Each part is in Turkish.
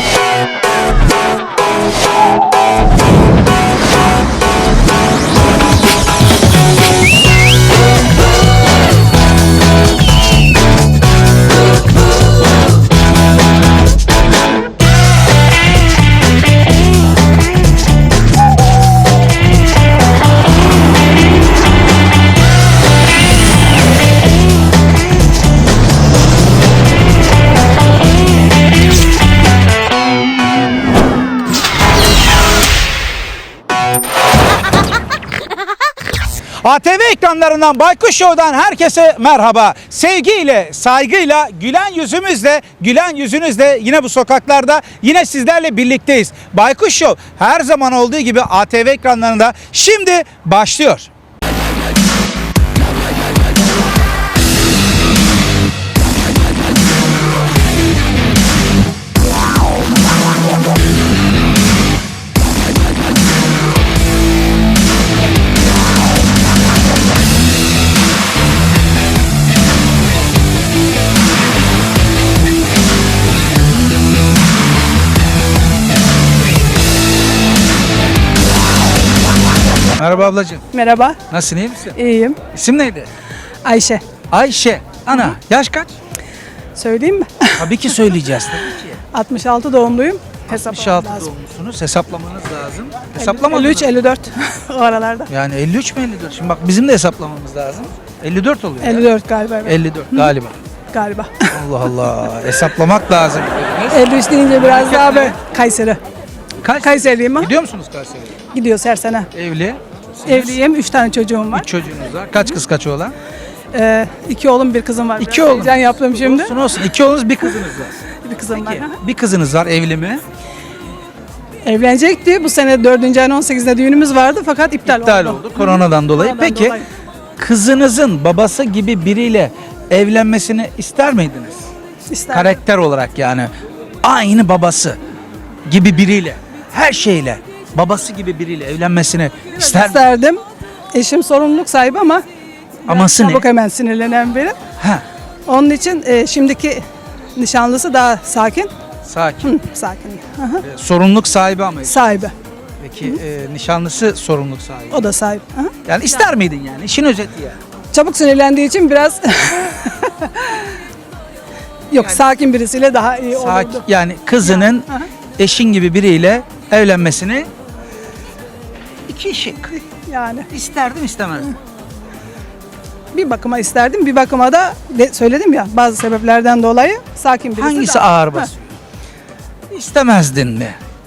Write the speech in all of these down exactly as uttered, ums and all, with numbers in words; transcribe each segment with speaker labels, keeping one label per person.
Speaker 1: A T V ekranlarından Baykuş Show'dan herkese merhaba. Sevgiyle, saygıyla, gülen yüzümüzle, gülen yüzünüzle yine bu sokaklarda yine sizlerle birlikteyiz. Baykuş Show her zaman olduğu gibi A T V ekranlarında şimdi başlıyor. Merhaba ablacığım.
Speaker 2: Merhaba,
Speaker 1: Nasılsın, iyi misin?
Speaker 2: iyiyim.
Speaker 1: İsim neydi?
Speaker 2: Ayşe.
Speaker 1: Ayşe. Ana, yaş kaç?
Speaker 2: Söyleyeyim mi?
Speaker 1: Tabii ki söyleyeceğiz tabii ki.
Speaker 2: altmış altı doğumluyum.
Speaker 1: altmış altı doğumlusunuz. Hesaplamanız lazım. Hesaplamadınız.
Speaker 2: elli üç elli dört o aralarda.
Speaker 1: Yani elli üç mü elli dört? Şimdi bak bizim de hesaplamamız lazım. elli dört oluyor.
Speaker 2: elli dört galiba. Evet.
Speaker 1: elli dört galiba.
Speaker 2: Galiba.
Speaker 1: Allah Allah. Hesaplamak lazım.
Speaker 2: elli üç deyince biraz daha böyle Kayseri.
Speaker 1: Kaç?
Speaker 2: Kayseriliyim ha.
Speaker 1: Gidiyor musunuz Kayseri'ye?
Speaker 2: Gidiyoruz her sene.
Speaker 1: Evli.
Speaker 2: Evliyim, üç tane çocuğum var.
Speaker 1: Üç çocuğunuz var. Kaç kız kaç oğlan?
Speaker 2: Ee, iki oğlum bir kızım var.
Speaker 1: İki
Speaker 2: Biraz
Speaker 1: oğlum.
Speaker 2: heyecan yaptım şimdi.
Speaker 1: Olsun olsun. İki oğlunuz bir kızınız var.
Speaker 2: Bir kızım var.
Speaker 1: Peki, bir kızınız var, evli mi?
Speaker 2: Evlenecekti. Bu sene dördüncü ayın on sekizinde düğünümüz vardı fakat iptal,
Speaker 1: İptal
Speaker 2: oldu.
Speaker 1: oldu koronadan dolayı.
Speaker 2: Koronadan
Speaker 1: Peki
Speaker 2: dolayı.
Speaker 1: kızınızın babası gibi biriyle evlenmesini ister miydiniz?
Speaker 2: İsterdim.
Speaker 1: Karakter olarak yani aynı babası gibi biriyle, her şeyle babası gibi biriyle evlenmesini ister miydiniz?
Speaker 2: İsterdim. Eşim sorumluluk sahibi ama
Speaker 1: Aması ne?
Speaker 2: çabuk hemen sinirlenen biri.
Speaker 1: Ha,
Speaker 2: Onun için e, şimdiki nişanlısı daha sakin.
Speaker 1: sakin.
Speaker 2: Hı, sakin. Aha.
Speaker 1: E, sorumluluk sahibi ama.
Speaker 2: Sahibi.
Speaker 1: Peki e, nişanlısı sorumluluk sahibi.
Speaker 2: O da sahip. Aha.
Speaker 1: Yani ister miydin yani? İşin özeti yani.
Speaker 2: Çabuk sinirlendiği için biraz yok sakin birisiyle daha iyi
Speaker 1: Sakin,
Speaker 2: olurdu.
Speaker 1: yani kızının
Speaker 2: Aha.
Speaker 1: eşin gibi biriyle evlenmesini iki şık.
Speaker 2: Yani
Speaker 1: İsterdim istemezdim.
Speaker 2: bir bakıma isterdim, bir bakıma da de, söyledim ya bazı sebeplerden dolayı sakin birisi.
Speaker 1: Hangisi
Speaker 2: daha-
Speaker 1: ağır
Speaker 2: Ha,
Speaker 1: basıyor? İstemezdin mi?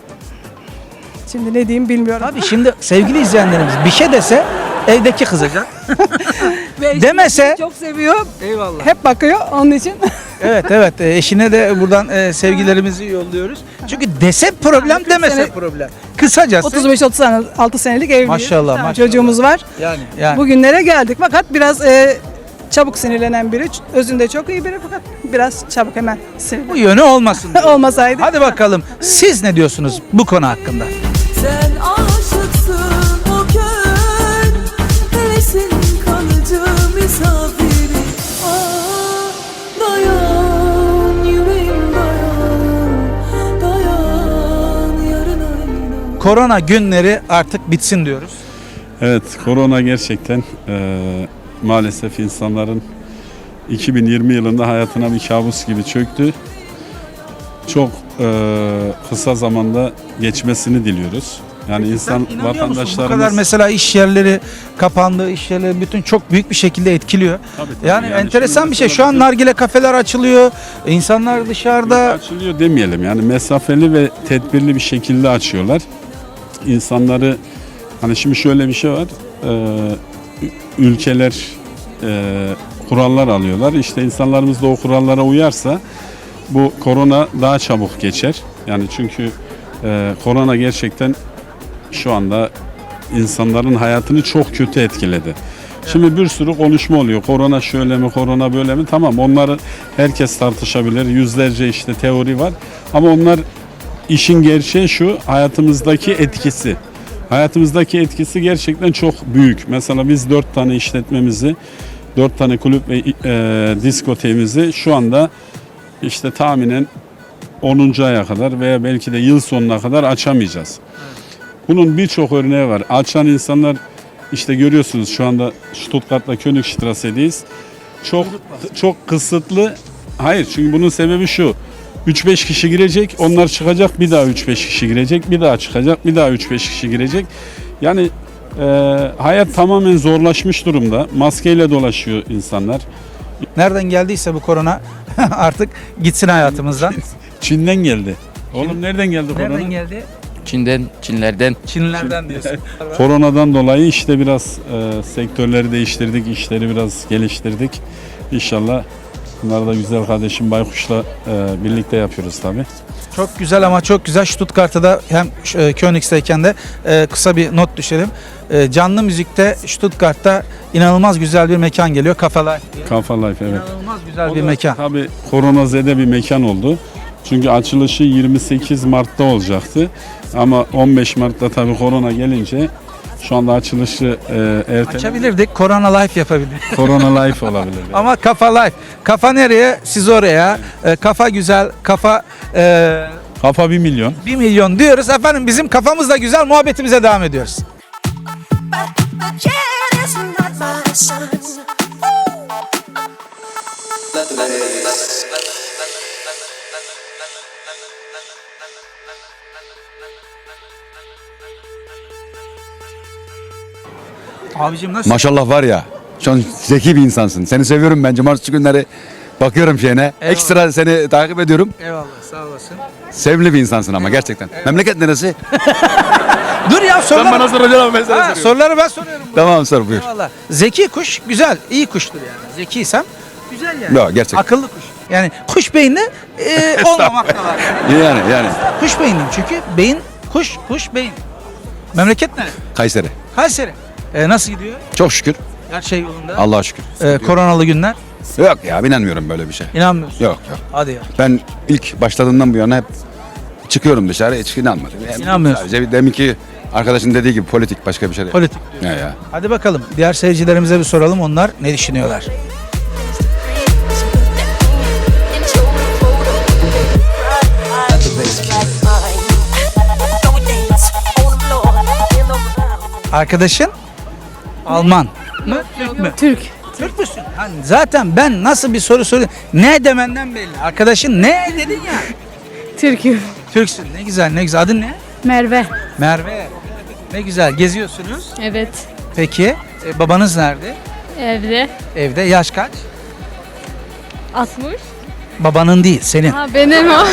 Speaker 2: Şimdi ne diyeyim bilmiyorum.
Speaker 1: Tabii şimdi sevgili izleyenlerimiz bir şey dese evdeki kızacak.
Speaker 2: Ve eşim
Speaker 1: demese-
Speaker 2: çok seviyor.
Speaker 1: Eyvallah.
Speaker 2: Hep bakıyor onun için.
Speaker 1: Evet evet e, eşine de buradan e, sevgilerimizi yolluyoruz. Çünkü dese problem
Speaker 2: kırk
Speaker 1: demese
Speaker 2: sene-
Speaker 1: problem. Kısacası
Speaker 2: otuz beş otuz altı senelik evliyiz.
Speaker 1: Maşallah,
Speaker 2: Bir tane
Speaker 1: maşallah.
Speaker 2: çocuğumuz var.
Speaker 1: yani yani
Speaker 2: Bugünlere geldik fakat biraz e, çabuk sinirlenen biri. Özünde çok iyi biri fakat biraz çabuk hemen
Speaker 1: bu
Speaker 2: sinirlenen.
Speaker 1: yönü olmasın. diyor.
Speaker 2: Olmasaydı.
Speaker 1: Hadi bakalım siz ne diyorsunuz bu konu hakkında?
Speaker 3: Sen aşıksın o kör, hevesin kalıcı misafiri. Ah, dayan yüreğim dayan, dayan yarın ayına.
Speaker 1: Korona günleri artık bitsin diyoruz.
Speaker 4: Evet, korona gerçekten eee, maalesef insanların iki bin yirmi yılında hayatına bir kabus gibi çöktü. Çok eee, kısa zamanda geçmesini diliyoruz. Yani insan
Speaker 1: Sen inanıyor musun? Bu kadar
Speaker 4: vatandaşlarımız
Speaker 1: mesela iş yerleri kapandı, iş yerleri bütün çok büyük bir şekilde etkiliyor.
Speaker 4: Tabii, tabii.
Speaker 1: Yani,
Speaker 4: Yani
Speaker 1: enteresan
Speaker 4: şimdi
Speaker 1: bir şey.
Speaker 4: mesela
Speaker 1: Şu an
Speaker 4: bizim-
Speaker 1: nargile kafeler açılıyor. İnsanlar dışarıda.
Speaker 4: açılıyor demeyelim. Yani mesafeli ve tedbirli bir şekilde açıyorlar. İnsanları hani şimdi şöyle bir şey var. Eee, ülkeler eee, kurallar alıyorlar. İşte insanlarımız da o kurallara uyarsa bu korona daha çabuk geçer. Yani çünkü eee, korona gerçekten şu anda insanların hayatını çok kötü etkiledi. Şimdi bir sürü konuşma oluyor. Korona şöyle mi, korona böyle mi? Tamam, onları herkes tartışabilir. Yüzlerce işte teori var. Ama onlar işin gerçeği şu, hayatımızdaki etkisi. Hayatımızdaki etkisi gerçekten çok büyük. Mesela biz dört tane işletmemizi, dört tane kulüp ve e, diskoteğimizi şu anda işte tahminen onuncu aya kadar veya belki de yıl sonuna kadar açamayacağız. Bunun birçok örneği var. Açan insanlar işte görüyorsunuz şu anda Stuttgart'la Königstrasse'deyiz. Çok çok kısıtlı. Hayır, çünkü bunun sebebi şu. üç beş kişi girecek, onlar çıkacak, bir daha üç beş kişi girecek, bir daha çıkacak, bir daha üç beş kişi girecek. Yani e, hayat tamamen zorlaşmış durumda. Maskeyle dolaşıyor insanlar.
Speaker 1: Nereden geldiyse bu korona artık gitsin hayatımızdan.
Speaker 4: Çin'den geldi. Oğlum nereden geldi korona?
Speaker 1: Nereden geldi?
Speaker 5: Çin'den, Çinlerden.
Speaker 1: Çinlilerden diyorsun.
Speaker 4: Koronadan dolayı işte biraz e, sektörleri değiştirdik, işleri biraz geliştirdik. İnşallah bunları da güzel kardeşim Baykuş'la e, birlikte yapıyoruz tabii.
Speaker 1: Çok güzel ama çok güzel. Stuttgart'ta da hem e, Königs'teyken de e, kısa bir not düşelim. E, canlı müzikte Stuttgart'ta inanılmaz güzel bir mekan geliyor. Cafe Life diye.
Speaker 4: Kafa Life, evet.
Speaker 1: İnanılmaz güzel
Speaker 4: O
Speaker 1: bir
Speaker 4: da
Speaker 1: mekan.
Speaker 4: Tabii koronazede bir mekan oldu. Çünkü açılışı yirmi sekiz Mart'ta olacaktı. Ama on beş Mart'ta tabii korona gelince şu anda açılışı e, erteledik.
Speaker 1: Açabilirdik. Corona Life yapabilirdik.
Speaker 4: Korona Life olabilir.
Speaker 1: Ama Kafa Life. Kafa nereye? Siz oraya. E, kafa güzel. Kafa e,
Speaker 4: Kafa bir milyon.
Speaker 1: bir milyon diyoruz. Efendim bizim kafamız da güzel. Muhabbetimize devam ediyoruz.
Speaker 6: But yet it's not my son.
Speaker 1: Abicim nasıl?
Speaker 7: Maşallah var ya. Şu an zeki bir insansın. Seni seviyorum ben. Cumartesi günleri bakıyorum şeyine. Ekstra seni takip ediyorum.
Speaker 1: Eyvallah, sağ olasın.
Speaker 7: Sevimli bir insansın ama gerçekten. Memleket neresi?
Speaker 1: Dur ya soruları.
Speaker 7: soracaksın ama ben
Speaker 1: Ha, soruları ben soruyorum.
Speaker 7: Tamam sor buyur.
Speaker 1: Eyvallah. Zeki kuş güzel, iyi kuştur yani. Zekiysem güzel yani.
Speaker 7: Yok, gerçek.
Speaker 1: Akıllı kuş. Yani kuş beyni e, olmamak da var.
Speaker 7: Yani yani.
Speaker 1: Kuş beyniyim çünkü beyin, kuş, kuş, beyin. Memleket ne?
Speaker 7: Kayseri.
Speaker 1: Kayseri. E, nasıl gidiyor?
Speaker 7: Çok şükür.
Speaker 1: Her şey yolunda.
Speaker 7: Allah'a şükür.
Speaker 1: E, koronalı günler.
Speaker 7: Yok ya inanmıyorum böyle bir şey.
Speaker 1: İnanmıyorsun.
Speaker 7: Yok yok.
Speaker 1: Hadi ya.
Speaker 7: Ben ilk başladığımdan bu yana hep çıkıyorum dışarı hiç inanmadım. Yani
Speaker 1: İnanmıyorsun.
Speaker 7: Sadece deminki arkadaşın dediği gibi politik başka bir şey değil.
Speaker 1: Politik.
Speaker 7: Ya ya.
Speaker 1: Hadi bakalım diğer seyircilerimize bir soralım onlar ne düşünüyorlar? Arkadaşın Alman mı? Türk mü?
Speaker 2: Türk.
Speaker 1: Türk müsün? Hani zaten ben nasıl bir soru soruyorum? Ne demenden belli. Arkadaşın ne dedin ya?
Speaker 2: Türk'üm.
Speaker 1: Türksün. Ne güzel ne güzel. Adın ne?
Speaker 2: Merve.
Speaker 1: Merve. Ne güzel. Geziyorsunuz.
Speaker 2: Evet.
Speaker 1: Peki e, babanız nerede?
Speaker 2: Evde.
Speaker 1: Evde. Yaş kaç?
Speaker 2: altmış.
Speaker 1: Babanın değil senin.
Speaker 2: Ha benim o.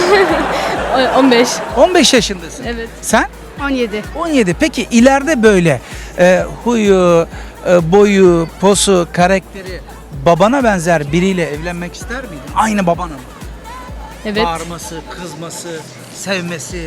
Speaker 2: on beş.
Speaker 1: on beş yaşındasın.
Speaker 2: Evet.
Speaker 1: Sen?
Speaker 2: on yedi.
Speaker 1: on yedi. Peki ileride böyle e, huyu, e, boyu, posu, karakteri babana benzer biriyle evlenmek ister miydin? Aynı babana mı?
Speaker 2: Evet.
Speaker 1: Bağırması, kızması, sevmesi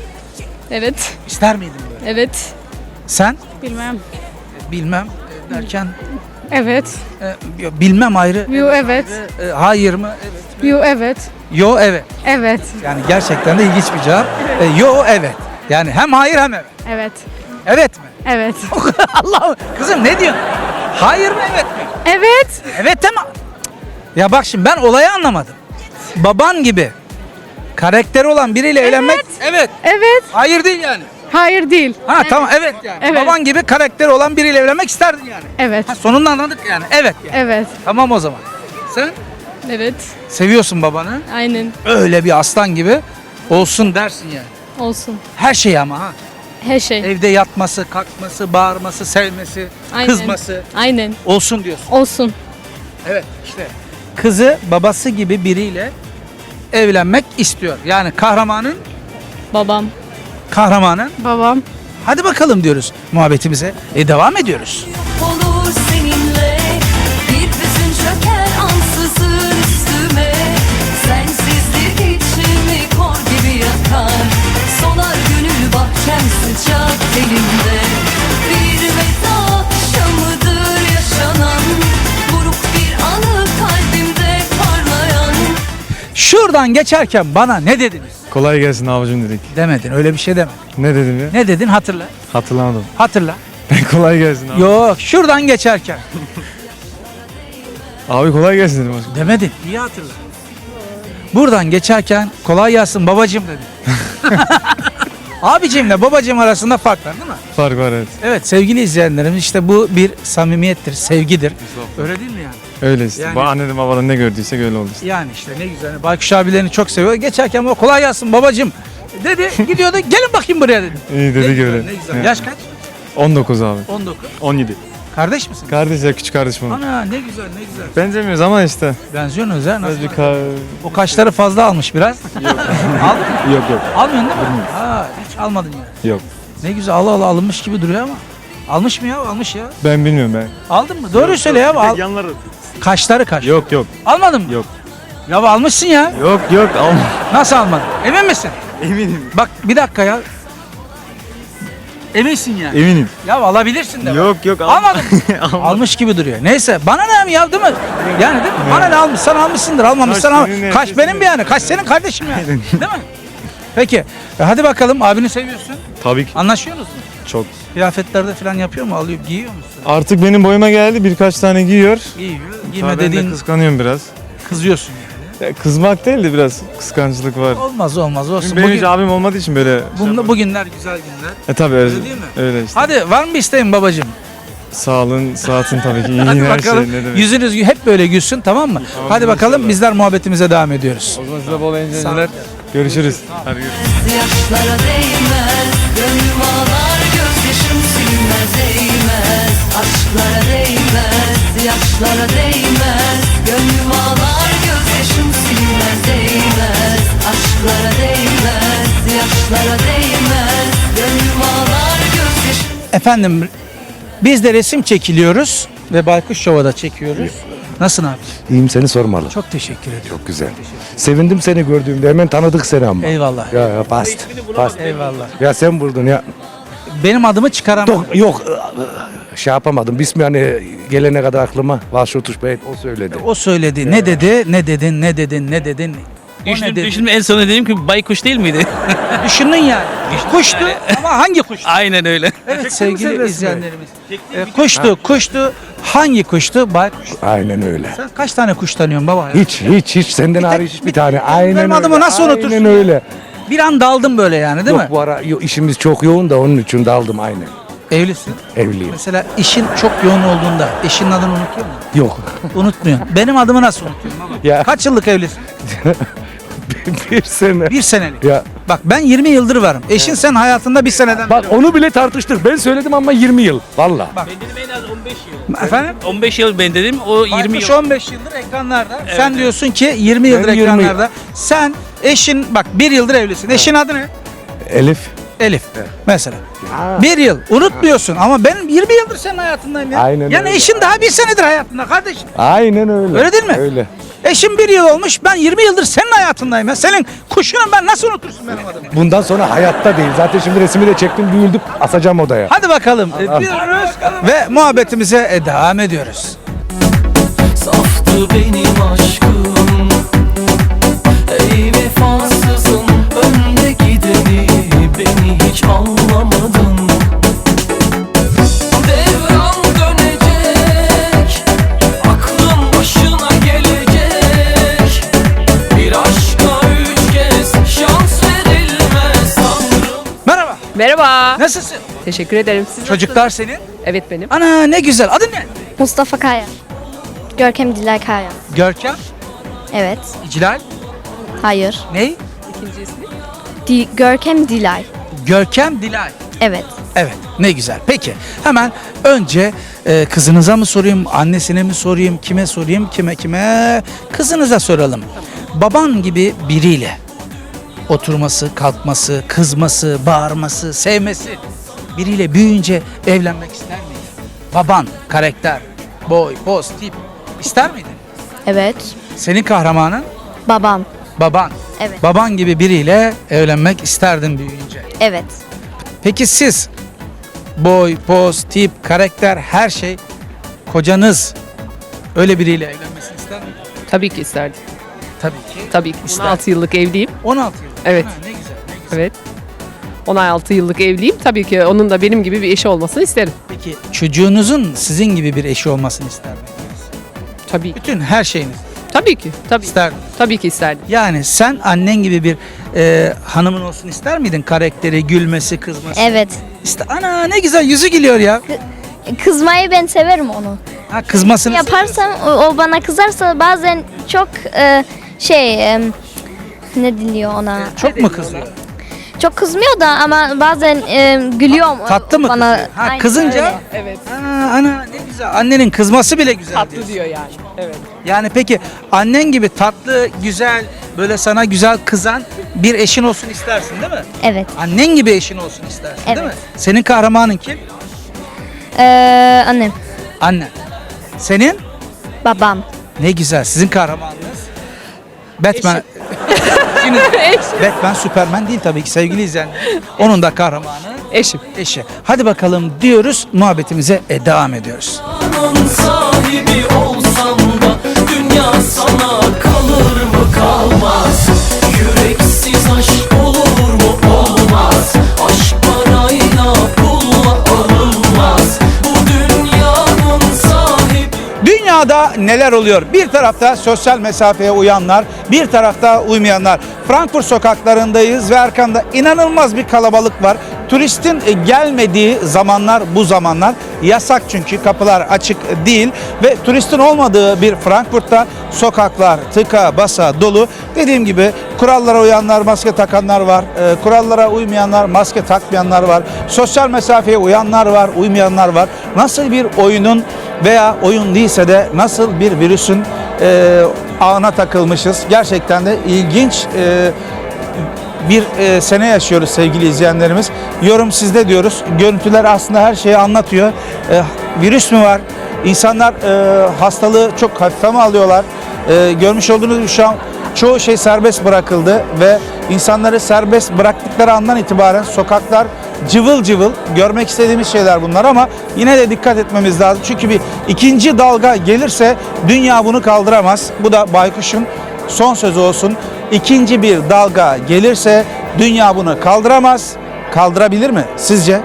Speaker 2: Evet.
Speaker 1: ister miydin böyle?
Speaker 2: Evet.
Speaker 1: Sen?
Speaker 2: Bilmem.
Speaker 1: E, Bilmem e, derken
Speaker 2: Evet.
Speaker 1: e, yo, bilmem ayrı.
Speaker 2: Yo evet.
Speaker 1: E, hayır mı? Evet.
Speaker 2: Yo evet.
Speaker 1: Yo evet.
Speaker 2: Evet.
Speaker 1: Yani gerçekten de ilginç bir cevap. E, yo evet. Yani hem hayır hem evet.
Speaker 2: Evet.
Speaker 1: Evet mi?
Speaker 2: Evet.
Speaker 1: Allah'ım kızım ne diyorsun? Hayır mı evet mi?
Speaker 2: Evet.
Speaker 1: Evet ama ya bak şimdi ben olayı anlamadım. Baban gibi karakteri olan biriyle evlenmek evet.
Speaker 2: Evet.
Speaker 1: Hayır değil yani.
Speaker 2: Hayır değil.
Speaker 1: Ha tamam evet yani.
Speaker 2: Evet.
Speaker 1: Baban gibi karakteri olan biriyle evlenmek isterdin yani.
Speaker 2: Evet.
Speaker 1: Ha, sonunda anladık yani. Evet yani.
Speaker 2: Evet.
Speaker 1: Tamam o zaman. Sen
Speaker 2: Evet.
Speaker 1: seviyorsun babanı.
Speaker 2: Aynen.
Speaker 1: Öyle bir aslan gibi olsun dersin yani.
Speaker 2: Olsun.
Speaker 1: Her şey ama ha.
Speaker 2: Her şey.
Speaker 1: Evde yatması, kalkması, bağırması, sevmesi,
Speaker 2: Aynen.
Speaker 1: kızması
Speaker 2: Aynen.
Speaker 1: olsun diyorsun.
Speaker 2: Olsun.
Speaker 1: Evet işte kızı babası gibi biriyle evlenmek istiyor. Yani kahramanın
Speaker 2: Babam.
Speaker 1: kahramanın
Speaker 2: Babam.
Speaker 1: hadi bakalım diyoruz muhabbetimize. E devam ediyoruz.
Speaker 3: Olur seninle bir hüzün çöker ansızın üstüme. Sensizlik içimi kor gibi yakar. Solar gönül bahçem sıcak elimde. Bir veda akşamıdır yaşanan. Buruk bir anı kalbimde parlayan.
Speaker 1: Şuradan geçerken bana ne dediniz?
Speaker 8: Kolay gelsin abicim dedik.
Speaker 1: Demedin öyle bir şey demedin.
Speaker 8: Ne dedim ya?
Speaker 1: Ne dedin hatırla.
Speaker 8: Hatırlamadım.
Speaker 1: Hatırla.
Speaker 8: Kolay gelsin abi.
Speaker 1: Yok şuradan geçerken.
Speaker 8: Abi kolay gelsin dedim. aslında.
Speaker 1: Demedin. İyi hatırla. Buradan geçerken kolay gelsin babacım dedi. Abicimle babacım arasında fark var değil mi?
Speaker 8: Fark var evet.
Speaker 1: Evet sevgili izleyenlerimiz işte bu bir samimiyettir, sevgidir. Öyle değil mi yani?
Speaker 8: Öyle işte.
Speaker 1: Yani-
Speaker 8: Bu anneden babadan ne gördüyse öyle oldu işte.
Speaker 1: Yani işte ne güzel. Baykuş abilerini çok seviyor. Geçerken baba kolay gelsin babacım dedi. Gidiyordu gelin bakayım buraya dedi.
Speaker 8: İyi
Speaker 1: Ne
Speaker 8: dedi
Speaker 1: güzel,
Speaker 8: öyle.
Speaker 1: ne güzel.
Speaker 8: Evet.
Speaker 1: Yaş kaç?
Speaker 8: on dokuz abi.
Speaker 1: on dokuz.
Speaker 8: on yedi.
Speaker 1: Kardeş misin?
Speaker 8: Kardeş ya küçük kardeşim olur.
Speaker 1: Ana ne güzel ne güzel.
Speaker 8: Benzemiyoruz ama işte.
Speaker 1: Benziyorsunuz ha. Nasıl?
Speaker 8: Biraz bir ka-
Speaker 1: O kaşları fazla almış biraz. Yok. Al,
Speaker 8: Yok yok.
Speaker 1: almıyorsun değil mi? Ha, hiç almadın ya.
Speaker 8: Yok.
Speaker 1: Ne güzel Allah Allah alınmış gibi duruyor ama. Almış mı ya? Almış ya.
Speaker 8: Ben bilmiyorum ben.
Speaker 1: Aldın mı? Doğruyu söyle ya. Al.
Speaker 8: Yanları.
Speaker 1: Kaşları kaş.
Speaker 8: Yok yok.
Speaker 1: Almadın mı?
Speaker 8: Yok.
Speaker 1: Ya almışsın ya.
Speaker 8: Yok yok alma.
Speaker 1: Nasıl almadın? Emin misin?
Speaker 8: Eminim.
Speaker 1: Bak bir dakika ya. Eminsin yani.
Speaker 8: Eminim.
Speaker 1: Ya alabilirsin de.
Speaker 8: Yok yok
Speaker 1: Almadın. Almış gibi duruyor. Neyse bana ne ya değil mi? Yani değil mi? Bana ne almışsan almışsındır. Almamışsan
Speaker 8: Kaş
Speaker 1: al.
Speaker 8: senin,
Speaker 1: Kaş
Speaker 8: herkesin
Speaker 1: benim yani. Kaş senin kardeşim yani. Değil mi? Peki. E hadi bakalım abini seviyorsun.
Speaker 8: Tabii ki.
Speaker 1: Anlaşıyorsunuz mu?
Speaker 8: Çok.
Speaker 1: Kıyafetlerde falan yapıyor mu? Alıyor, giyiyor musun?
Speaker 8: Artık benim boyuma geldi birkaç tane giyiyor.
Speaker 1: Giyiyor.
Speaker 8: Tabii
Speaker 1: Giyme
Speaker 8: ben de
Speaker 1: dediğin
Speaker 8: kıskanıyorum biraz.
Speaker 1: kızıyorsun yani.
Speaker 8: Ya kızmak değil de biraz kıskançlık var.
Speaker 1: Olmaz olmaz olsun.
Speaker 8: Çünkü benim
Speaker 1: Bugün,
Speaker 8: hiç abim olmadığı için böyle.
Speaker 1: bunda, bugünler güzel günler.
Speaker 8: E tabii öyle,
Speaker 1: Öyle değil mi?
Speaker 8: öyle işte.
Speaker 1: Hadi var mı bir isteğin babacığım?
Speaker 8: Sağlığın, saatin tabii ki iyi
Speaker 1: Hadi
Speaker 8: her
Speaker 1: bakalım.
Speaker 8: şey ne demek.
Speaker 1: Yüzünüz hep böyle gülsün tamam mı? Hadi bakalım bizler muhabbetimize devam ediyoruz.
Speaker 8: O zaman size bol
Speaker 1: Sağ ol.
Speaker 8: eğlenceler. Görüşürüz. Hadi görüşürüz.
Speaker 3: Yaşlara değmez, gönlüm ağlar, gözyaşım silmez, değmez. Aşklara değmez, yaşlara değmez, gönlüm ağlar, gözyaşım silmez, değmez. Aşklara değmez, yaşlara değmez, gönlüm ağlar, gözyaşım.
Speaker 1: Efendim biz de resim çekiliyoruz ve Baykuş Show'a da çekiyoruz. Nasılsın abi?
Speaker 9: İyiyim seni sormalı.
Speaker 1: Çok teşekkür ediyorum.
Speaker 9: Çok güzel. Sevindim seni gördüğümde hemen tanıdık seni ama.
Speaker 1: Eyvallah.
Speaker 9: Ya ya bast. Bast.
Speaker 1: Eyvallah.
Speaker 9: Ya sen buldun ya.
Speaker 1: Benim adımı çıkaramadım.
Speaker 9: Yok, yok şey yapamadım. Bismi hani gelene kadar aklıma Vaşutuş Bey o söyledi.
Speaker 1: O söyledi. Ne dedi? Ne dedin? Ne dedin? Ne dedin? O ne
Speaker 10: Düşündüm,
Speaker 1: dedi?
Speaker 10: düşündüm en sonunda dedim ki baykuş değil miydi?
Speaker 1: Düşündün yani. Kuştu ama hangi kuş?
Speaker 10: Aynen öyle.
Speaker 1: Evet sevgili izleyenlerimiz. E, kuştu, kuştu. Hangi kuştu? Baykuş.
Speaker 9: Aynen öyle.
Speaker 1: Sen kaç tane kuş tanıyorsun baba? Ya?
Speaker 9: Hiç hiç hiç senden hariç hiçbir tane. Aynen
Speaker 1: benim
Speaker 9: öyle.
Speaker 1: adımı nasıl unutursun
Speaker 9: Aynen
Speaker 1: ya?
Speaker 9: öyle.
Speaker 1: Bir an daldım böyle yani değil
Speaker 9: Yok
Speaker 1: mi?
Speaker 9: bu ara yo- işimiz çok yoğun da onun için daldım aynen.
Speaker 1: Evlisin.
Speaker 9: Evliyim.
Speaker 1: Mesela işin çok yoğun olduğunda eşinin adını unutuyor musun?
Speaker 9: Yok.
Speaker 1: Unutmuyorsun. Benim adımı nasıl unutuyorsun baba?
Speaker 9: Ya.
Speaker 1: Kaç yıllık evlisin?
Speaker 9: Bir sene.
Speaker 1: Bir senelik.
Speaker 9: Ya
Speaker 1: Bak ben yirmi yıldır varım. Eşin sen hayatında bir seneden
Speaker 9: bak
Speaker 1: beri var.
Speaker 9: onu bile tartıştık. Ben söyledim ama yirmi yıl. Valla.
Speaker 10: Ben dedim en az on beş yıl.
Speaker 1: Efendim?
Speaker 10: on beş yıl ben dedim o yirmi
Speaker 1: Baykuş
Speaker 10: yıl.
Speaker 1: on beş yıldır ekranlarda. Sen diyorsun ki yirmi yıldır
Speaker 9: Ben yirmi yıl.
Speaker 1: ekranlarda. Sen eşin bak bir yıldır evlisin. Eşin adı ne?
Speaker 9: Elif.
Speaker 1: Elif. Mesela.
Speaker 9: Ha.
Speaker 1: Bir yıl unutmuyorsun ama ben yirmi yıldır senin hayatındayım ya.
Speaker 9: Aynen
Speaker 1: yani
Speaker 9: öyle.
Speaker 1: eşin daha bir senedir hayatında kardeşim.
Speaker 9: Aynen öyle.
Speaker 1: Öyle değil mi?
Speaker 9: Öyle.
Speaker 1: Eşim bir yıl olmuş ben yirmi yıldır senin hayatındayım ya. Senin kuşunu ben nasıl unutursun benim adımı?
Speaker 9: Bundan sonra hayatta değil. Zaten şimdi resmi de çektim, büyüldüm, asacağım odaya.
Speaker 1: Hadi bakalım. E, diyoruz ve muhabbetimize e, devam ediyoruz.
Speaker 3: Saftı benim aşkım, ey vefasızım, önde gideni beni hiç anlamadın. Devran dönecek, aklın başına gelecek. Bir aşka üç kez şans verilmez sanırım.
Speaker 1: Merhaba.
Speaker 11: Merhaba.
Speaker 1: Nasılsın?
Speaker 11: Teşekkür ederim. Siz
Speaker 1: Çocuklar senin?
Speaker 11: Evet benim.
Speaker 1: Ana ne güzel. Adın ne?
Speaker 12: Mustafa Kaya. Görkem Dilay Kaya.
Speaker 1: Görkem.
Speaker 12: Evet.
Speaker 1: İclal.
Speaker 12: Hayır.
Speaker 1: Ney?
Speaker 11: İkinci ismi?
Speaker 12: Di- Görkem Dilay.
Speaker 1: Görkem Dilay.
Speaker 12: Evet.
Speaker 1: Evet ne güzel. Peki hemen önce e, kızınıza mı sorayım, annesine mi sorayım, kime sorayım, kime kime? Kızınıza soralım. Baban gibi biriyle oturması, kalkması, kızması, bağırması, sevmesi biriyle büyüyünce evlenmek ister miydin? Baban, karakter, boy, poz, tip ister miydin?
Speaker 12: Evet.
Speaker 1: Senin kahramanın
Speaker 12: Babam.
Speaker 1: baban.
Speaker 12: Evet.
Speaker 1: Baban gibi biriyle evlenmek isterdin büyüyünce.
Speaker 12: Evet.
Speaker 1: Peki siz boy, poz, tip, karakter her şey kocanız öyle biriyle evlenmesini ister mi?
Speaker 11: Tabii ki isterdim.
Speaker 1: Tabii ki.
Speaker 11: Tabii ki.
Speaker 1: İster.
Speaker 11: on altı yıllık evliyim.
Speaker 1: on altı yıl.
Speaker 11: Evet.
Speaker 1: Ha, ne güzel, ne güzel.
Speaker 11: Evet. on altı yıllık evliyim. Tabii ki onun da benim gibi bir eşi olmasını isterim.
Speaker 1: Peki çocuğunuzun sizin gibi bir eşi olmasını ister miydiniz?
Speaker 11: Tabii ki.
Speaker 1: Bütün her şeyiniz.
Speaker 11: Tabii Tabii ki. Tabii.
Speaker 1: İsterdim.
Speaker 11: Tabii ki isterdim.
Speaker 1: Yani sen annen gibi bir e, hanımın olsun ister miydin? Karakteri, gülmesi, kızması.
Speaker 12: Evet.
Speaker 1: İşte ana ne güzel yüzü gülüyor ya.
Speaker 12: Kızmayı ben severim onu.
Speaker 1: Ha, kızmasını
Speaker 12: Yaparsam o, o bana kızarsa bazen çok e, şey e, ne diliyor ona?
Speaker 1: çok mu kızıyor?
Speaker 12: Çok kızmıyor da ama bazen e, gülüyor
Speaker 1: Tatlı mı
Speaker 12: bana.
Speaker 1: kızıyor? Ha,
Speaker 12: Aynen
Speaker 1: kızınca
Speaker 12: öyle.
Speaker 11: Evet.
Speaker 1: ana, ana ne güzel. Annenin kızması bile güzel diyorsun.
Speaker 11: Tatlı diyor yani. Evet.
Speaker 1: Yani peki annen gibi tatlı, güzel, böyle sana güzel kızan bir eşin olsun istersin değil mi?
Speaker 12: Evet.
Speaker 1: Annen gibi eşin olsun istersin değil
Speaker 12: Evet.
Speaker 1: mi? Senin kahramanın kim?
Speaker 12: Ee, annem,
Speaker 1: Annen. Senin?
Speaker 12: babam.
Speaker 1: Ne güzel. Sizin kahramanınız? Batman. İkiniz de. Batman, Superman değil tabii ki sevgili izleyenler. Onun da kahramanı
Speaker 11: Eşim.
Speaker 1: eşi. Hadi bakalım diyoruz. Muhabbetimize e, devam ediyoruz.
Speaker 3: Dünyanın sahibi olsam da dünya sana kalır mı kalmaz. Yüreksiz aşk olur mu olmaz. Aşk parayla pulla alınmaz. Bu dünyanın sahibi.
Speaker 1: Dünyada neler oluyor? Bir tarafta sosyal mesafeye uyanlar, bir tarafta uymayanlar. Frankfurt sokaklarındayız ve arkamda inanılmaz bir kalabalık var. Turistin e, gelmediği zamanlar bu zamanlar. Yasak çünkü kapılar açık değil ve turistin olmadığı bir Frankfurt'ta sokaklar tıka basa dolu. Dediğim gibi kurallara uyanlar, maske takanlar var. E, kurallara uymayanlar, maske takmayanlar var. Sosyal mesafeye uyanlar var, uymayanlar var. Nasıl bir oyunun veya oyun değilse de nasıl bir virüsün e, ağına takılmışız. Gerçekten de ilginç e, bir e, sene yaşıyoruz sevgili izleyenlerimiz. Yorum sizde diyoruz. Görüntüler aslında her şeyi anlatıyor. E, virüs mü var? İnsanlar e, hastalığı çok hafife mi alıyorlar? E, görmüş olduğunuz gibi şu an çoğu şey serbest bırakıldı ve insanları serbest bıraktıkları andan itibaren sokaklar cıvıl cıvıl. Görmek istediğimiz şeyler bunlar ama yine de dikkat etmemiz lazım. Çünkü bir ikinci dalga gelirse dünya bunu kaldıramaz. Bu da Baykuş'un son sözü olsun. İkinci bir dalga gelirse dünya bunu kaldıramaz. Kaldırabilir mi sizce?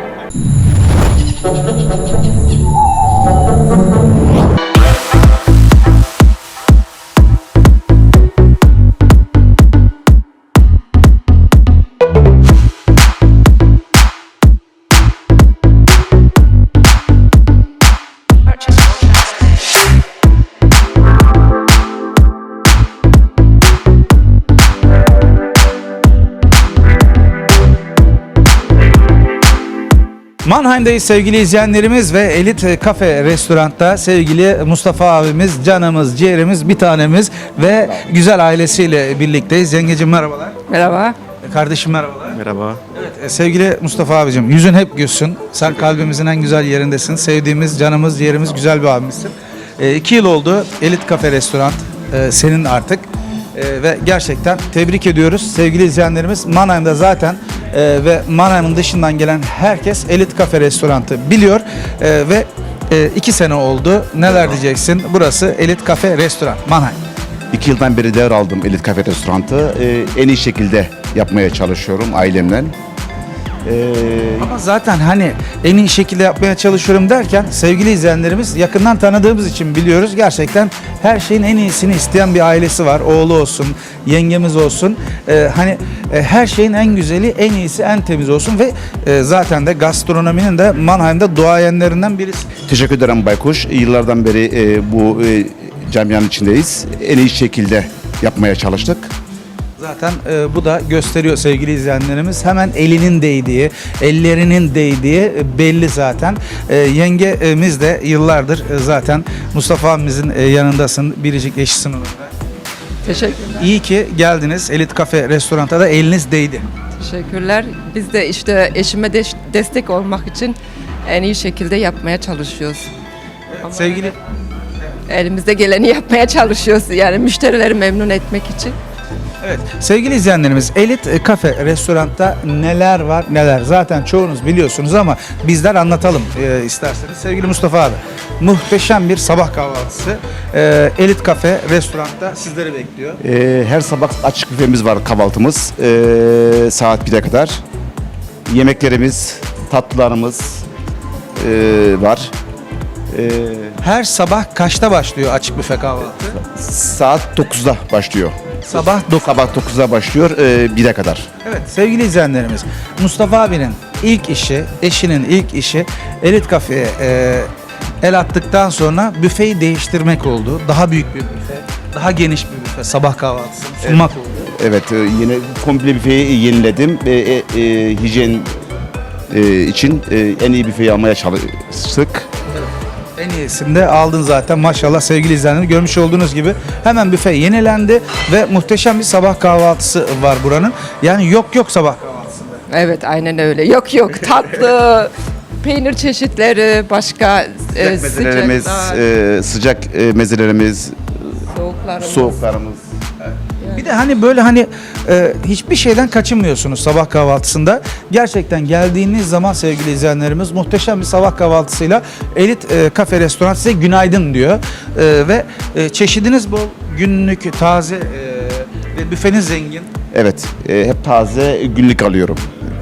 Speaker 1: Mannheim'dayız sevgili izleyenlerimiz ve Elit Kafe Restorant'ta sevgili Mustafa abimiz, canımız, ciğerimiz, bir tanemiz ve güzel ailesiyle birlikteyiz. Yengecim merhabalar.
Speaker 11: Merhaba.
Speaker 1: Kardeşim merhabalar.
Speaker 8: Merhaba.
Speaker 1: Evet, sevgili Mustafa abicim, yüzün hep gülsün. Sen kalbimizin en güzel yerindesin. Sevdiğimiz, canımız, ciğerimiz, güzel bir abimizsin. E, iki yıl oldu Elit Kafe Restorant e, senin artık. E, ve gerçekten tebrik ediyoruz sevgili izleyenlerimiz. Mannheim'da zaten e, ve Mannheim'ın dışından gelen herkes Elit Kafe Restorant'ı biliyor. E, ve e, iki sene oldu. Neler diyeceksin? Burası Elit Kafe Restorant Mannheim.
Speaker 7: İki yıldan beri devraldım Elit Kafe Restorant'ı. Ee, en iyi şekilde yapmaya çalışıyorum ailemle. Ee,
Speaker 1: Ama zaten hani en iyi şekilde yapmaya çalışıyorum derken sevgili izleyenlerimiz yakından tanıdığımız için biliyoruz. Gerçekten her şeyin en iyisini isteyen bir ailesi var. Oğlu olsun, yengemiz olsun. Ee, hani e, her şeyin en güzeli, en iyisi, en temiz olsun ve e, zaten de gastronominin de Mannheim'da duayenlerinden birisi.
Speaker 7: teşekkür ederim Baykuş. Yıllardan beri e, bu e, camianın içindeyiz. En iyi şekilde yapmaya çalıştık.
Speaker 1: Zaten e, bu da gösteriyor sevgili izleyenlerimiz. Hemen elinin değdiği, ellerinin değdiği belli zaten. E, yengemiz de yıllardır e, zaten Mustafa abimizin e, yanındasın. Biricik eşisin onun da.
Speaker 11: Teşekkürler.
Speaker 1: İyi ki geldiniz. Elit Kafe Restorant'a da eliniz değdi.
Speaker 11: Teşekkürler. Biz de işte eşime de destek olmak için en iyi şekilde yapmaya çalışıyoruz. Ama
Speaker 1: Sevgili
Speaker 11: elimizde geleni yapmaya çalışıyoruz. Yani müşterileri memnun etmek için.
Speaker 1: Evet, sevgili izleyenlerimiz, Elit Kafe Restorant'ta neler var neler. Zaten çoğunuz biliyorsunuz ama bizler anlatalım e, isterseniz. Sevgili Mustafa abi, muhteşem bir sabah kahvaltısı. E, Elit Kafe Restorant'ta sizleri bekliyor.
Speaker 7: Ee, her sabah açık büfemiz var, kahvaltımız. Ee, saat bir'e kadar. Yemeklerimiz, tatlılarımız ee, var. Ee,
Speaker 1: Her sabah kaçta başlıyor açık büfe kahvaltı?
Speaker 7: saat dokuzda başlıyor.
Speaker 1: Sabah dokuz.
Speaker 7: Sabah dokuzda başlıyor e, bire kadar.
Speaker 1: Evet sevgili izleyenlerimiz, Mustafa abinin ilk işi, eşinin ilk işi Elit Kafe'ye e, el attıktan sonra büfeyi değiştirmek oldu. Daha büyük bir büfe, daha geniş bir büfe, sabah kahvaltısını sunmak oldu.
Speaker 7: Evet, e, yine komple büfeyi yeniledim. E, e, e, hijyen e, için e, en iyi büfeyi almaya çalıştık.
Speaker 1: En iyisini de aldın zaten maşallah sevgili izleyenler. Görmüş olduğunuz gibi hemen büfe yenilendi ve muhteşem bir sabah kahvaltısı var buranın. Yani yok yok sabah kahvaltısında.
Speaker 11: Evet aynen öyle. Yok yok tatlı, peynir çeşitleri, başka e,
Speaker 7: Sıcak mezelerimiz,
Speaker 11: sıcaklar,
Speaker 7: e, sıcak e, mezelerimiz,
Speaker 11: soğuklarımız.
Speaker 7: soğuklarımız.
Speaker 1: Bir de hani böyle hani e, hiçbir şeyden kaçınmıyorsunuz sabah kahvaltısında. Gerçekten geldiğiniz zaman sevgili izleyenlerimiz muhteşem bir sabah kahvaltısıyla Elit e, Kafe Restoran size günaydın diyor. E, ve e, çeşidiniz bol, günlük, taze e, ve büfeniz zengin.
Speaker 7: Evet, e, hep taze günlük alıyorum.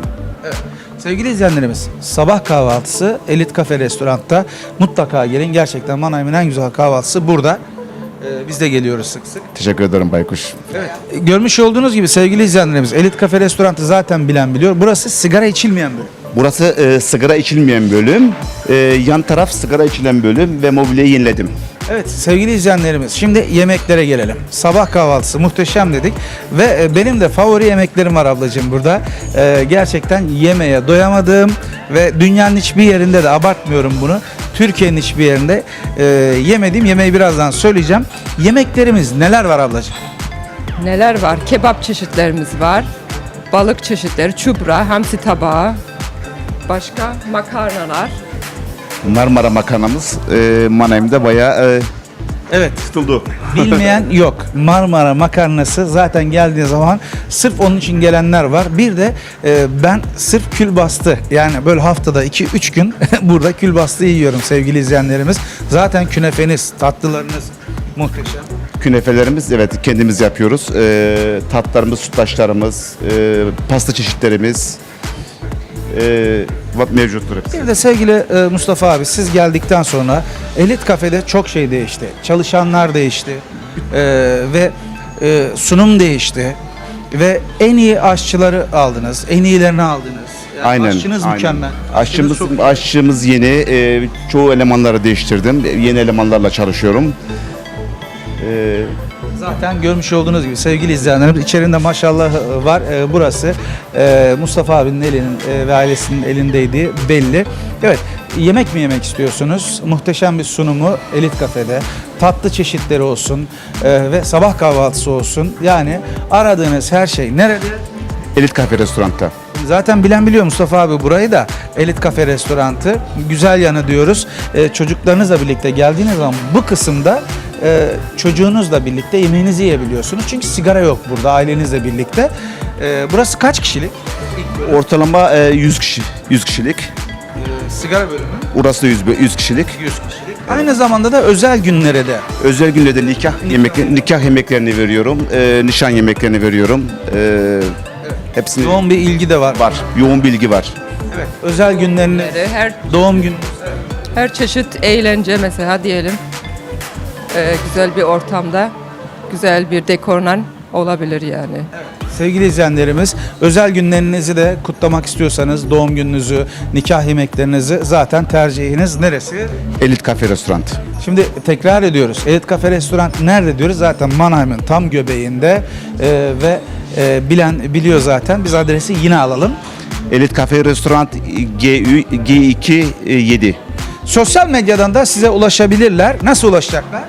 Speaker 1: Sevgili izleyenlerimiz, sabah kahvaltısı Elit Kafe Restoran'ta mutlaka gelin. Gerçekten Mannheim'in en güzel kahvaltısı burada. Ee, biz de geliyoruz sık sık.
Speaker 7: Teşekkür ederim Baykuş.
Speaker 1: Evet. Görmüş olduğunuz gibi sevgili izleyenlerimiz, Elit Kafe Restoran'ı zaten bilen biliyor. Burası sigara içilmeyen bölüm.
Speaker 7: Burası e, sigara içilmeyen bölüm. E, yan taraf sigara içilen bölüm ve mobilyayı yeniledim.
Speaker 1: Evet sevgili izleyenlerimiz, şimdi yemeklere gelelim. Sabah kahvaltısı muhteşem dedik ve e, benim de favori yemeklerim var ablacığım burada. E, gerçekten yemeğe doyamadığım ve dünyanın hiçbir yerinde de abartmıyorum bunu. Türkiye'nin hiçbir yerinde e, yemediğim yemeği birazdan söyleyeceğim. Yemeklerimiz neler var ablacığım?
Speaker 11: Neler var? Kebap çeşitlerimiz var. Balık çeşitleri, çubra, hamsi tabağı. Başka makarnalar.
Speaker 7: Marmara makarnamız e, Mannheim'de bayağı e,
Speaker 1: Evet.
Speaker 7: tutuldu.
Speaker 1: Bilmeyen yok. Marmara makarnası zaten geldiği zaman sırf onun için gelenler var. Bir de e, ben sırf külbastı yani böyle haftada iki üç gün burada külbastı yiyorum sevgili izleyenlerimiz. Zaten künefeniz, tatlılarınız muhteşem.
Speaker 7: Künefelerimiz evet kendimiz yapıyoruz. E, tatlarımız, sütlaçlarımız, e, pasta çeşitlerimiz e, mevcuttur hepsi.
Speaker 1: Bir de sevgili e, Mustafa abi siz geldikten sonra Elit Kafe'de çok şey değişti. Çalışanlar değişti e, ve e, sunum değişti ve en iyi aşçıları aldınız, en iyilerini aldınız. Yani
Speaker 7: Aynen.
Speaker 1: Aşçınız
Speaker 7: aynen.
Speaker 1: mükemmel.
Speaker 7: Aşçımız,
Speaker 1: çok-
Speaker 7: aşçımız yeni. E, çoğu elemanları değiştirdim. Yeni elemanlarla çalışıyorum. E,
Speaker 1: Zaten görmüş olduğunuz gibi sevgili izleyenlerimiz içerisinde maşallah var. Ee, burası e, Mustafa abinin elinin e, ve ailesinin elindeydi belli. Evet, yemek mi yemek istiyorsunuz? Muhteşem bir sunumu Elit Kafe'de. Tatlı çeşitleri olsun e, ve sabah kahvaltısı olsun. Yani aradığınız her şey nerede?
Speaker 7: Elit Kafe Restoran'ta.
Speaker 1: Zaten bilen biliyor Mustafa abi burayı da Elit Kafe Restoranı. Güzel yanı diyoruz. Ee, çocuklarınızla birlikte geldiğiniz zaman bu kısımda e, çocuğunuzla birlikte yemeğinizi yiyebiliyorsunuz. Çünkü sigara yok burada ailenizle birlikte. Ee, burası kaç kişilik?
Speaker 7: Ortalama e, yüz kişi, yüz kişilik.
Speaker 1: Ee, sigara bölümü
Speaker 7: Burası da yüz, yüz kişilik.
Speaker 1: yüz kişilik. Aynı zamanda da özel günlere de
Speaker 7: Özel günlerde nikah yemek nikah yemeklerini veriyorum. E, nişan yemeklerini veriyorum. E, hepsini
Speaker 1: yoğun bir ilgi de var.
Speaker 7: var. Yoğun bilgi var.
Speaker 1: Evet. Özel günleriniz,
Speaker 11: Her
Speaker 1: doğum günü.
Speaker 11: her çeşit eğlence mesela diyelim. Ee, güzel bir ortamda, güzel bir dekorla olabilir yani.
Speaker 1: Sevgili izleyenlerimiz, özel günlerinizi de kutlamak istiyorsanız doğum gününüzü, nikah yemeklerinizi zaten tercihiniz neresi?
Speaker 7: Elit Kafe Restoran.
Speaker 1: Şimdi tekrar ediyoruz. Elit Kafe Restoran nerede diyoruz? Zaten Mannheim'in tam göbeğinde e, ve e, bilen biliyor zaten. Biz adresi yine alalım.
Speaker 7: Elit Kafe Restoran G iki yedi.
Speaker 1: Sosyal medyadan da size ulaşabilirler. Nasıl ulaşacaklar?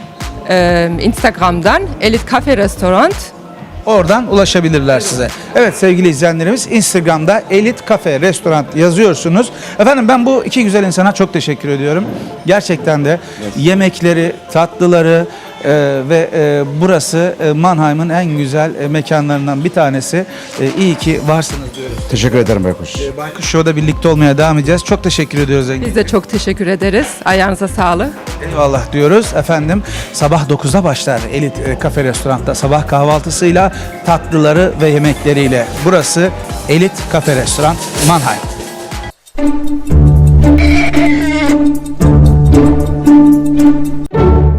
Speaker 11: Ee, Instagram'dan Elit Kafe Restoran.
Speaker 1: Oradan ulaşabilirler size. Evet sevgili izleyenlerimiz, Instagram'da Elit Kafe Restoran yazıyorsunuz. Efendim ben bu iki güzel insana çok teşekkür ediyorum. Gerçekten de yemekleri, tatlıları e, ve e, burası e, Mannheim'ın en güzel e, mekanlarından bir tanesi. E, iyi ki varsınız diyoruz.
Speaker 7: Teşekkür ederim Baykuş.
Speaker 1: E, Baykuş Show'da birlikte olmaya devam edeceğiz. Çok teşekkür ediyoruz Engin.
Speaker 11: Biz de çok teşekkür ederiz. Ayağınıza sağlık.
Speaker 1: Eyvallah diyoruz. Efendim sabah dokuzda başlar Elit e, Kafe Restoran'ta sabah kahvaltısıyla, tatlıları ve yemekleriyle. Burası Elit Kafe Restoran Mannheim.